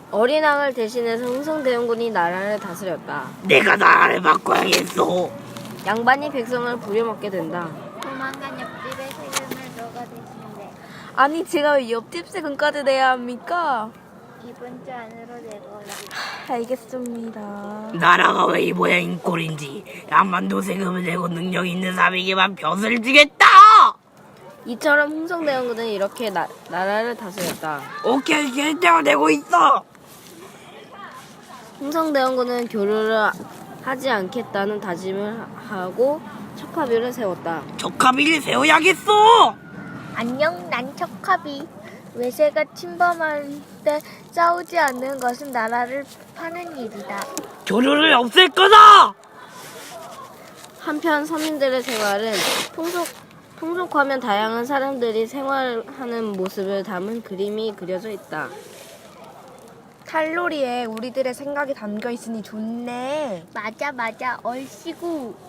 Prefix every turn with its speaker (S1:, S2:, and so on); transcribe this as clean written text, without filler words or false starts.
S1: 어린 왕을 대신해서 흥성대원군이 나라를 다스렸다.
S2: 내가 나라를 바꿔야겠어.
S1: 양반이 백성을 부려먹게 된다.
S3: 조만간 옆집에 세금을 너가 대신데
S1: 아니 제가 왜 옆집 세금까지 내야 합니까?
S3: 이번 주 안으로 내거라.
S1: 알겠습니다.
S2: 나라가 왜 이 모양인 꼴인지 양반도 세금을 내고 능력 있는 사람에게만 벼슬을 주겠다.
S1: 이처럼 흥성대원군은 이렇게 나라를 다스렸다.
S2: 오케이, 결정을 내고 있어.
S1: 흥성대원군은 교류를 하지 않겠다는 다짐을 하고 척화비를 세웠다.
S2: 적합일을 세워야겠어.
S3: 안녕, 난 척합이. 외세가 침범할 때 싸우지 않는 것은 나라를 파는 일이다.
S2: 교류를 없앨 거다.
S1: 한편 서민들의 생활은 통속하면 다양한 사람들이 생활하는 모습을 담은 그림이 그려져 있다.
S4: 칼로리에 우리들의 생각이 담겨 있으니 좋네.
S3: 맞아, 얼씨구.